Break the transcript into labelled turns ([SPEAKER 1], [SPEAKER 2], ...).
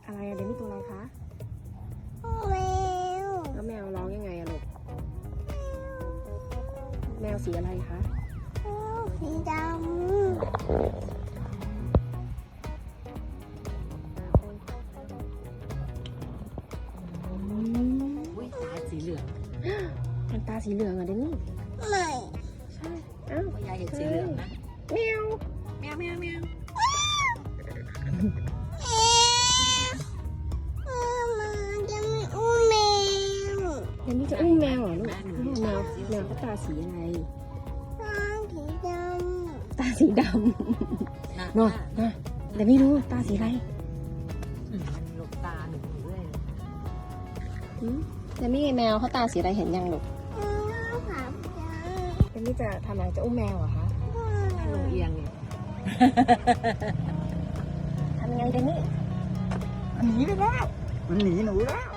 [SPEAKER 1] อะไรอะเดมี่ตัวอะไรคะ
[SPEAKER 2] แมว
[SPEAKER 1] แล้วแมวร้องยังไงอะลูกแมวสีอะไรคะ
[SPEAKER 2] สีดำ
[SPEAKER 3] อุ้ยตาสีเหลือง
[SPEAKER 1] มันตาสีเหลืองอะเดมี่
[SPEAKER 2] ไม่
[SPEAKER 1] ใช่อ้าว
[SPEAKER 3] พ่อยายเห็นสีเหลืองนะ
[SPEAKER 1] แมว
[SPEAKER 3] แมวแมวแมว
[SPEAKER 2] มาจะไม่อุ้มแมว
[SPEAKER 1] เดมี่จะอุ้มแมวเหรอลูกแมวเขาตาสีอะไร
[SPEAKER 2] สีดำ
[SPEAKER 1] ตาสีดำเนาะนะเดมี่รู้ตาสีอะไร
[SPEAKER 3] หลบตาหนูเลย
[SPEAKER 1] เดมี่แมวเขาตาสีอะไรเห็นยังลูก
[SPEAKER 2] ผับจัง
[SPEAKER 1] เดมี่จะทำอะไรจะอุ้มแมวเหรอคะ
[SPEAKER 3] ลงเอียงเนี่ย
[SPEAKER 1] ทำยังไงเดมี่
[SPEAKER 3] มันหนีไปแล้วมันหนีหนูแล้ว